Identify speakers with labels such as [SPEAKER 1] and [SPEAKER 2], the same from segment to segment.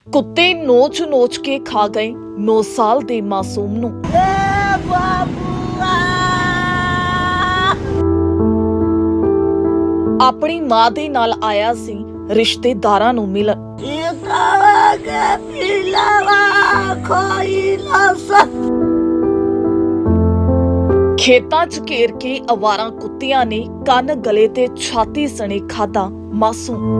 [SPEAKER 1] कुत्ते नोच नोच के खा गए 9 साल ਦੇ ਮਾਸੂਮ ਨੂੰ। ਆਪਣੀ ਮਾਂ ਦੇ ਨਾਲ ਆਇਆ ਸੀ ਰਿਸ਼ਤੇਦਾਰਾਂ ਨੂੰ ਮਿਲਣ। ਖੇਤਾਂ 'ਚ ਘੇਰ ਕੇ ਅਵਾਰਾ ਕੁੱਤਿਆਂ ਨੇ ਕੰਨ ਗਲੇ ਤੇ ਛਾਤੀ ਸਣੇ ਖਾਧਾ ਮਾਸੂਮ।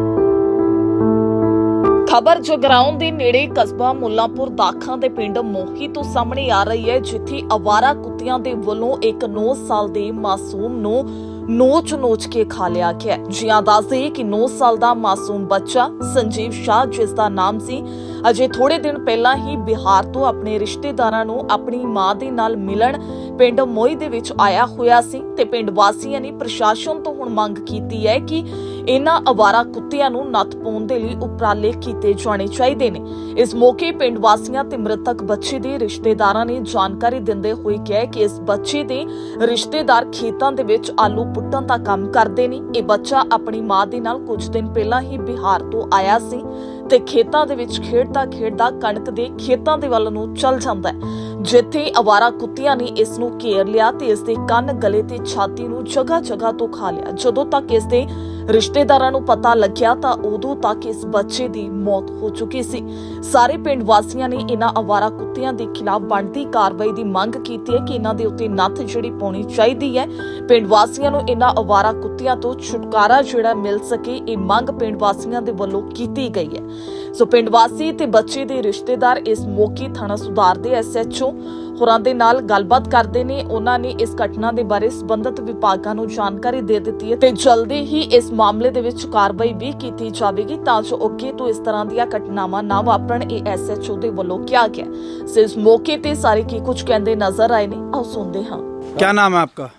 [SPEAKER 1] ਖਬਰ ਜਗਰਾਉਂ ਦੇ ਨੇੜੇ ਕਸਬਾ ਮੁੱਲਾਂਪੁਰ ਦਾਖਾਂ ਦੇ ਪਿੰਡ ਮੋਹੀ ਤੋਂ ਸਾਹਮਣੇ ਆ ਰਹੀ ਹੈ, ਜਿੱਥੇ ਅਵਾਰਾ ਕੁੱਤਿਆਂ ਦੇ ਵੱਲੋਂ ਇੱਕ 9 ਸਾਲ ਦੇ ਮਾਸੂਮ ਨੂੰ ਨੋਚ ਕੇ ਖਾ ਲਿਆ ਗਿਆ। ਜਿਹਾਂ ਦੱਸਦੇ ਕਿ 9 ਸਾਲ ਦਾ ਮਾਸੂਮ ਬੱਚਾ ਸੰਜੀਵ ਸ਼ਾਹ, ਜਿਸ ਦਾ ਨਾਮ ਸੀ, ਅਜੇ ਥੋੜੇ ਦਿਨ ਪਹਿਲਾਂ ਹੀ ਬਿਹਾਰ ਤੋਂ ਆਪਣੇ ਰਿਸ਼ਤੇਦਾਰਾਂ ਨੂੰ ਆਪਣੀ ਮਾਂ ਦੇ ਨਾਲ ਮਿਲਣ ਪਿੰਡ ਮੋਹੀ ਦੇ ਵਿੱਚ ਆਇਆ ਹੋਇਆ ਸੀ ਤੇ ਪਿੰਡ ਵਾਸੀਆਂ ਨੇ ਪ੍ਰਸ਼ਾਸਨ ਤੋਂ ਹੁਣ ਮੰਗ ਕੀਤੀ ਹੈ ਕਿ ਇਹਨਾਂ ਅਵਾਰਾ ਕੁੱਤਿਆਂ ਨੂੰ ਨੱਥ ਪਾਉਣ ਦੇ ਲਈ ਉਪਰਾਲੇ ਕੀਤੇ ਜਾਣੇ ਚਾਹੀਦੇ ਨੇ। ਇਸ ਮੌਕੇ ਪਿੰਡ ਵਾਸੀਆਂ ਤੇ ਮ੍ਰਿਤਕ ਬੱਚੇ ਦੇ ਰਿਸ਼ਤੇਦਾਰਾਂ ਨੇ ਜਾਣਕਾਰੀ ਦਿੰਦੇ ਹੋਏ ਕਿਹਾ ਕਿ ਇਸ ਬੱਚੇ ਦੇ ਰਿਸ਼ਤੇਦਾਰ ਖੇਤਾਂ ਦੇ ਵਿੱਚ ਆਲੂ ਪੁੱਟਣ ਦਾ ਕੰਮ ਕਰਦੇ ਨੇ। ਇਹ ਬੱਚਾ ਆਪਣੀ ਮਾਂ ਦੇ ਨਾਲ ਕੁਝ ਦਿਨ ਪਹਿਲਾਂ ਹੀ ਬਿਹਾਰ ਤੋਂ ਆਇਆ ਸੀ ਤੇ ਖੇਤਾਂ ਦੇ ਵਿੱਚ ਖੇਡਦਾ ਕਣਕ ਦੇ ਖੇਤਾਂ ਦੇ ਵੱਲ ਨੂੰ ਚੱਲ ਜਾਂਦਾ ਹੈ, ਜਿੱਥੇ ਅਵਾਰਾ ਕੁੱਤਿਆਂ ਨੇ ਇਸ ਨੂੰ ਘੇਰ ਲਿਆ ਤੇ ਇਸ ਦੇ ਕੰਨ, ਗਲੇ ਤੇ ਛਾਤੀ ਨੂੰ ਜਗ੍ਹਾ ਤੋਂ ਖਾ ਲਿਆ। ਜਦੋਂ ਤੱਕ ਇਸ ਦੇ ਰਿਸ਼ਤੇਦਾਰਾਂ ਨੂੰ ਪਤਾ ਲੱਗਿਆ ਤਾਂ ਉਦੋਂ ਤੱਕ ਇਸ ਬੱਚੇ ਦੀ ਮੌਤ ਹੋ ਚੁੱਕੀ ਸੀ। ਸਾਰੇ ਪਿੰਡ ਵਾਸੀਆਂ ਨੇ ਇਹਨਾਂ ਅਵਾਰਾ ਕੁੱਤਿਆਂ ਦੇ ਖਿਲਾਫ ਬਣਦੀ ਕਾਰਵਾਈ ਦੀ ਮੰਗ ਕੀਤੀ ਹੈ ਕਿ ਇਹਨਾਂ ਦੇ ਉੱਤੇ ਨੱਥ ਜਿਹੜੀ ਪਾਉਣੀ ਚਾਹੀਦੀ ਹੈ। ਪਿੰਡ ਵਾਸੀਆਂ ਨੂੰ ਇਹਨਾਂ ਅਵਾਰਾ ਕੁੱਤਿਆਂ ਤੋਂ ਛੁਟਕਾਰਾ ਜਿਹੜਾ ਮਿਲ ਸਕੇ, ਇਹ ਮੰਗ ਪਿੰਡ ਵਾਸੀਆਂ ਦੇ ਵੱਲੋਂ ਕੀਤੀ ਗਈ ਹੈ। ਸੋ ਪਿੰਡ ਵਾਸੀ ਤੇ ਬੱਚੇ ਦੇ ਰਿਸ਼ਤੇਦਾਰ ਇਸ ਮੌਕੇ ਥਾਣਾ ਸੁਧਾਰ ਦੇ SHO ਹੋਰਾਂ ਦੇ ਨਾਲ ਗੱਲਬਾਤ ਕਰਦੇ ਨੇ। ਉਹਨਾਂ ਨੇ ਇਸ ਘਟਨਾ ਦੇ ਬਾਰੇ ਸੰਬੰਧਿਤ ਵਿਭਾਗਾਂ ਨੂੰ ਜਾਣਕਾਰੀ ਦੇ ਦਿੱਤੀ ਹੈ ਤੇ ਜਲਦੀ ਹੀ ਇਸ ਮਾਮਲੇ ਦੇ ਵਿੱਚ ਕਾਰਵਾਈ ਵੀ ਕੀਤੀ ਜਾਵੇਗੀ ਤਾਂ ਜੋ ਅੱਗੇ ਤੋਂ ਇਸ ਤਰ੍ਹਾਂ ਦੀਆਂ ਘਟਨਾਵਾਂ ਨਾ ਵਾਪਰਨ, ਇਹ SHO ਦੇ ਵੱਲੋਂ ਕਿਹਾ ਗਿਆ। ਸੋ ਇਸ ਮੌਕੇ ਤੇ ਸਾਰੇ ਕੀ ਕੁਝ ਕਹਿੰਦੇ ਨਜ਼ਰ ਆਏ ਨੇ, ਆਓ ਸੁਣਦੇ ਹਾਂ।
[SPEAKER 2] क्या नाम है आपका?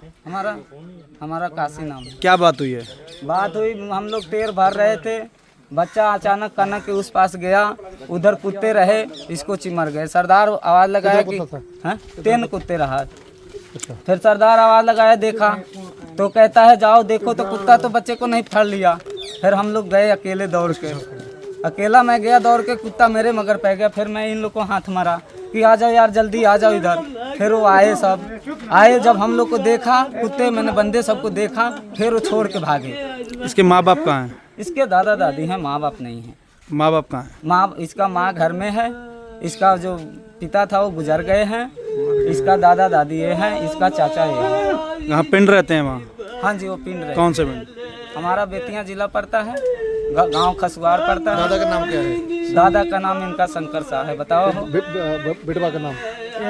[SPEAKER 3] हमारा काशी नाम है।
[SPEAKER 2] क्या बात हुई है?
[SPEAKER 3] बात हुई, हम लोग टेर भर रहे थे, बच्चा अचानक कनक के उस पास गया, उधर कुत्ते रहे, इसको चिमर गए। सरदार आवाज़ लगाया कि हाँ 3 कुत्ते रहा। फिर सरदार आवाज़ लगाया, देखा तो कहता है जाओ देखो, तो कुत्ता तो बच्चे को नहीं फड़ लिया। फिर हम लोग गए अकेले दौड़ के, अकेला मैं गया दौड़ के, कुत्ता मेरे मगर पै गया। फिर मैं इन लोग को हाथ मारा कि आ जाओ यार, जल्दी आ जाओ इधर। फिर वो आए, सब आए। जब हम लोग को देखा कुत्ते, मैंने बंदे सबको देखा, फिर वो छोड़ के भागे।
[SPEAKER 2] इसके माँ बाप कहाँ हैं?
[SPEAKER 3] इसके दादा दादी हैं, माँ बाप नहीं है।
[SPEAKER 2] माँ बाप कहाँ हैं?
[SPEAKER 3] माँ, इसका माँ घर में है, इसका जो पिता था वो गुजर गए हैं, इसका दादा दादी ये हैं, इसका चाचा ये है।
[SPEAKER 2] यहाँ पिंड रहते हैं वहाँ?
[SPEAKER 3] हाँ जी, वो पिंड रहे।
[SPEAKER 2] कौन से पिंड?
[SPEAKER 3] हमारा बेतिया जिला पड़ता है, गांव खसुआर पड़ता है।
[SPEAKER 4] दादा का नाम क्या है?
[SPEAKER 3] दादा का नाम इनका शंकर शाह है। बताओ
[SPEAKER 4] बेटवा का नाम?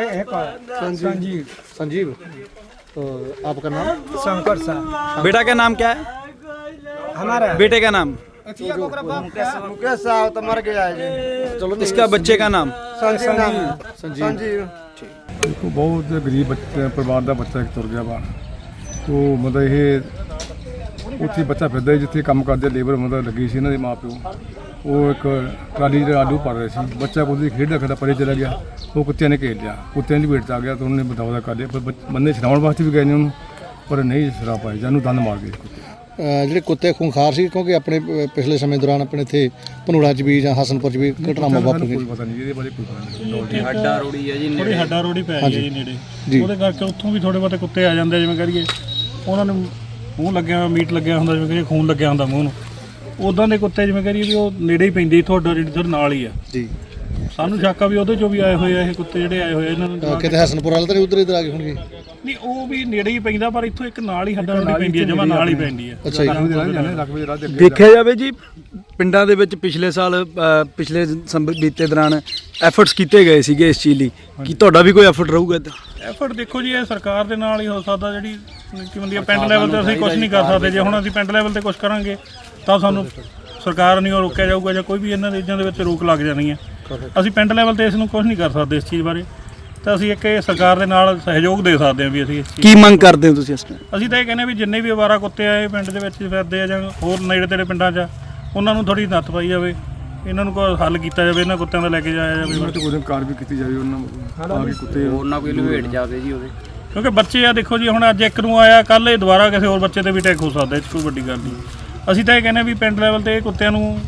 [SPEAKER 4] संजीव। तो आपका नाम?
[SPEAKER 3] शंकर शाह।
[SPEAKER 2] बेटा का नाम क्या है?
[SPEAKER 3] हमारा
[SPEAKER 2] बेटे का नाम?
[SPEAKER 4] मुकेश साहब तो मर गया है जी। चलो
[SPEAKER 2] इसका बच्चे का नाम?
[SPEAKER 4] संजीव।
[SPEAKER 5] ਦੇਖੋ ਬਹੁਤ ਗਰੀਬ ਬੱਚੇ ਪਰਿਵਾਰ ਦਾ ਬੱਚਾ ਇੱਕ ਤੁਰ ਗਿਆ ਬਾਹਰ। ਤੋ ਮਤਲਬ ਇਹ ਉੱਥੇ ਬੱਚਾ ਫਿਰਦਾ ਜਿੱਥੇ ਕੰਮ ਕਰਦੇ ਲੇਬਰ ਮਤਲਬ ਲੱਗੀ ਸੀ ਇਹਨਾਂ ਦੇ ਮਾਂ ਪਿਓ। ਉਹ ਇੱਕ ਟਰਾਲੀ ਦੇ ਆਲੂ ਭਰ ਰਹੇ ਸੀ, ਬੱਚਾ ਕੋਈ ਖੇਡਦਾ ਪਰੇ ਚਲਾ ਗਿਆ, ਉਹ ਕੁੱਤਿਆਂ ਨੇ ਘੇਰ ਲਿਆ, ਕੁੱਤਿਆਂ ਦੀ ਭੇਟ 'ਚ ਆ ਗਿਆ ਤਾਂ ਉਹਨੇ ਬਦੌਦਾ ਕਰ ਲਿਆ। ਪਰ ਬੰਦੇ ਛਡਾਉਣ ਵਾਸਤੇ ਵੀ ਗਏ ਨੇ ਉਹਨੂੰ, ਪਰ ਨਹੀਂ ਛਡਾ ਪਾਏ, ਜਾਨੂੰ ਦੰਦ ਮਾਰ ਗਏ ਕੁੱਤੇ।
[SPEAKER 4] ਜਿਹੜੇ ਕੁੱਤੇ ਖੁੰਖਾਰ ਸੀ, ਕਿਉਂਕਿ ਆਪਣੇ ਪਿਛਲੇ ਸਮੇਂ ਦੌਰਾਨ ਆਪਣੇ ਇੱਥੇ ਭਨੂੜਾ 'ਚ ਵੀ ਜਾਂ ਹਸਨਪੁਰ 'ਚ ਵੀ ਘਟਨਾਵਾਂ ਵਾਪਰੀਆਂ।
[SPEAKER 5] ਕੋਈ ਪਤਾ ਨਹੀਂ ਇਹਦੇ ਬਾਰੇ, ਕੋਈ ਪਤਾ ਨਹੀਂ।
[SPEAKER 6] ਹੱਡਾ ਰੋੜੀ ਹੈ ਜੀ, ਥੋੜੀ ਹੱਡਾ ਰੋੜੀ ਪੈ ਗਈ ਜੀ ਨੇੜੇ,
[SPEAKER 4] ਜੀ।
[SPEAKER 6] ਉਹਦੇ ਕਰਕੇ ਉੱਥੋਂ ਵੀ ਥੋੜੇ ਬਹੁਤੇ ਕੁੱਤੇ ਆ ਜਾਂਦੇ, ਜਿਵੇਂ ਕਰੀਏ ਉਹਨਾਂ ਨੂੰ ਮੂੰਹ ਲੱਗਿਆ, ਮੀਟ ਲੱਗਿਆ ਹੁੰਦਾ, ਜਿਵੇਂ ਕਰੀਏ ਖੂਨ ਲੱਗਿਆ ਹੁੰਦਾ ਮੂੰਹ ਨੂੰ, ਉੱਦਾਂ ਦੇ ਕੁੱਤੇ ਜਿਵੇਂ ਕਰੀਏ ਵੀ ਉਹ ਨੇੜੇ ਹੀ ਪੈਂਦੇ, ਤੁਹਾਡਾ ਜਿਹੜੀ ਤੁਹਾਡੇ ਨਾਲ ਹੀ ਆ
[SPEAKER 4] ਜੀ।
[SPEAKER 6] ਸਾਨੂੰ ਸ਼ੱਕ ਆ ਵੀ ਉਹਦੇ ਚੋਂ ਵੀ ਆਏ ਹੋਏ ਆ ਇਹ ਕੁੱਤੇ, ਜਿਹੜੇ ਆਏ ਹੋਏ ਆ ਇਹਨਾਂ ਨੂੰ
[SPEAKER 4] ਕਿਤੇ ਹਸਨਪੁਰ ਵਾਲੇ ਤਾਂ ਨਹੀਂ, ਉਧਰ ਇਧਰ ਆ ਗਏ ਹੋਣਗੇ।
[SPEAKER 6] ਨਹੀਂ, ਉਹ ਵੀ ਨੇੜੇ ਹੀ ਪੈਂਦਾ, ਪਰ ਇੱਥੋਂ ਇੱਕ ਨਾਲ ਹੀ ਹੱਡਾ ਰੋੜੀ ਪੈਂਦੀ ਹੈ, ਜਮਾ ਨਾਲ ਹੀ ਪੈਂਦੀ ਹੈ।
[SPEAKER 4] ਅੱਛਾ ਜੀ।
[SPEAKER 5] ਰਕਬੇ ਦੇ ਰਾਹ ਦੇ ਅੱਗੇ
[SPEAKER 2] ਦੇਖਿਆ ਜਾਵੇ ਜੀ, ਪਿੰਡਾਂ ਦੇ ਵਿੱਚ ਪਿਛਲੇ ਸਾਲ ਪਿਛਲੇ ਬੀਤੇ ਦੌਰਾਨ ਐਫਰਟਸ ਕੀਤੇ ਗਏ ਸੀਗੇ ਇਸ ਚੀਜ਼ ਲਈ। ਕੀ ਤੁਹਾਡਾ ਵੀ ਕੋਈ ਐਫਰਟ ਰਹੂਗਾ ਇੱਦਾਂ?
[SPEAKER 6] ਐਫਰਟ ਦੇਖੋ ਜੀ, ਇਹ ਸਰਕਾਰ ਦੇ ਨਾਲ ਹੀ ਹੋ ਸਕਦਾ, ਜਿਹੜੀ ਕੀ ਹੁੰਦੀ ਹੈ ਪਿੰਡ ਲੈਵਲ 'ਤੇ ਅਸੀਂ ਕੁਝ ਨਹੀਂ ਕਰ ਸਕਦੇ। ਜੇ ਹੁਣ ਅਸੀਂ ਪਿੰਡ ਲੈਵਲ 'ਤੇ ਕੁਝ ਕਰਾਂਗੇ ਤਾਂ ਸਾਨੂੰ ਸਰਕਾਰ ਨਹੀਂ ਉਹ ਰੋਕਿਆ ਜਾਊਗਾ, ਜਾਂ ਕੋਈ ਵੀ ਇਹਨਾਂ ਚੀਜ਼ਾਂ ਦੇ ਵਿੱਚ ਰੋਕ ਲੱਗ ਜਾਣੀ ਹੈ। ਅਸੀਂ ਪਿੰਡ ਲੈਵਲ 'ਤੇ ਇਸ ਨੂੰ ਕੁਝ ਨਹੀਂ ਕਰ ਸਕਦੇ ਇਸ ਚੀਜ਼ ਬਾਰੇ, ਤਾਂ ਅਸੀਂ ਇੱਕ ਸਰਕਾਰ ਦੇ ਨਾਲ ਸਹਿਯੋਗ ਦੇ ਸਕਦੇ ਹਾਂ ਵੀ ਅਸੀਂ ਇਸ ਚੀਜ਼।
[SPEAKER 2] ਕੀ ਮੰਗ ਕਰਦੇ ਹੋ ਤੁਸੀਂ ਇਸ ਟਾਈਮ?
[SPEAKER 6] ਅਸੀਂ ਤਾਂ ਇਹ ਕਹਿੰਦੇ ਵੀ ਜਿੰਨੇ ਵੀ ਅਵਾਰਾ ਕੁੱਤੇ ਆਏ ਪਿੰਡ ਦੇ ਵਿੱਚ ਫਿਰਦੇ ਆ ਜਾਂ ਹੋਰ ਨੇੜੇ ਤੇੜੇ ਪਿੰਡਾਂ 'ਚ, ਉਹਨਾਂ ਨੂੰ ਥੋੜ੍ਹੀ ਨੱਥ ਪਾਈ ਜਾਵੇ, ਇਹਨਾਂ ਨੂੰ ਕੋਈ ਹੱਲ ਕੀਤਾ ਜਾਵੇ, ਇਹਨਾਂ ਕੁੱਤਿਆਂ ਦਾ ਲੈ ਕੇ ਜਾਇਆ ਜਾਵੇ।
[SPEAKER 5] ਉਹਨਾਂ ਤੇ ਕੋਈ ਕਾਰ ਵੀ ਕੀਤੀ ਜਾਵੇ, ਉਹਨਾਂ ਆ ਕੇ ਕੁੱਤੇ
[SPEAKER 3] ਉਹਨਾਂ ਕੋਈ ਲਵੇਟ ਜਾਵੇ ਜੀ ਉਹਦੇ,
[SPEAKER 6] ਕਿਉਂਕਿ ਬੱਚੇ ਆ ਦੇਖੋ ਜੀ, ਹੁਣ ਅੱਜ ਇੱਕ ਨੂੰ ਆਇਆ, ਕੱਲ੍ਹ ਇਹ ਦੁਬਾਰਾ ਕਿਸੇ ਹੋਰ ਬੱਚੇ 'ਤੇ ਵੀ ਅਟੈਕ ਹੋ ਸਕਦਾ, ਇਹ 'ਚ ਕੋਈ ਵੱਡੀ ਗੱਲ ਨਹੀਂ। ਅਸੀਂ ਤਾਂ ਇਹ ਕਹਿੰਦੇ ਵੀ ਪਿੰਡ ਲੈਵਲ 'ਤੇ ਇਹ ਕੁੱਤਿਆਂ ਨੂੰ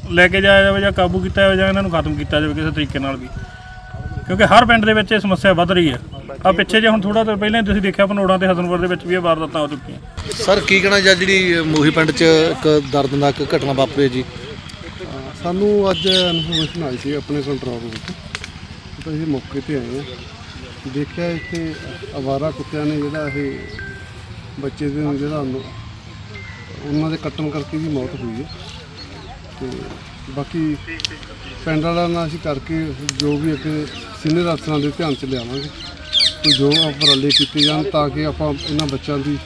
[SPEAKER 6] ਲੈ ਕੇ ਜਾਇਆ ਜਾਵੇ ਜਾਂ ਕਾਬੂ ਕੀਤਾ ਜਾਵੇ ਜਾਂ ਇਹਨਾਂ ਨੂੰ ਖਤਮ ਕੀਤਾ ਜਾਵੇ ਕਿਸੇ ਤਰੀਕੇ ਨਾਲ ਵੀ, ਕਿਉਂਕਿ ਹਰ ਪਿੰਡ ਦੇ ਵਿੱਚ ਇਹ ਸਮੱਸਿਆ ਵੱਧ ਰਹੀ ਹੈ। ਆ ਪਿੱਛੇ ਜੇ ਹੁਣ ਥੋੜਾ ਦੇਰ ਪਹਿਲਾਂ ਤੁਸੀਂ ਦੇਖਿਆ ਭਨੋੜਾਂ ਤੇ ਹਸਨਪੁਰ ਦੇ ਵਿੱਚ ਵੀ ਇਹ ਵਾਰਦਾਤਾਂ ਹੋ ਚੁੱਕੀਆਂ।
[SPEAKER 4] ਸਰ ਕੀ ਕਹਿਣਾ ਜਾਂ ਜਿਹੜੀ ਮੋਹੀ ਪਿੰਡ 'ਚ ਇੱਕ ਦਰਦਨਾਕ ਘਟਨਾ ਵਾਪਰੀ ਹੈ ਜੀ?
[SPEAKER 5] ਸਾਨੂੰ ਅੱਜ ਇਨਫੋਰਮੇਸ਼ਨ ਆਈ ਸੀ ਆਪਣੇ ਕੰਟਰੋਲ ਰੂਮ ਤੋਂ, ਤਾਂ ਅਸੀਂ ਮੌਕੇ ਤੇ ਆਏ ਹਾਂ। ਦੇਖਿਆ ਇੱਥੇ ਅਵਾਰਾ ਕੁੱਤਿਆਂ ਨੇ ਜਿਹੜਾ ਇਹ ਬੱਚੇ ਦੇ ਨੂੰ ਜਿਹੜਾ ਉਹਨਾਂ ਦੇ ਕੱਟਣ ਕਰਕੇ ਵੀ ਮੌਤ ਹੋਈ ਹੈ। ਤੇ ਬਾਕੀ ਪਿੰਡ ਵਾਲਿਆਂ ਨਾਲ ਅਸੀਂ ਕਰਕੇ ਜੋ ਵੀ ਅੱਗੇ ਸੀਨੀਅਰ ਅਫਸਰਾਂ ਦੇ ਧਿਆਨ 'ਚ ਲਿਆਵਾਂਗੇ, ਤੇ ਜੋ ਉਪਰਾਲੇ ਕੀਤੇ ਜਾਣ ਤਾਂ ਕਿ ਆਪਾਂ ਇਹਨਾਂ ਬੱਚਿਆਂ ਦੀ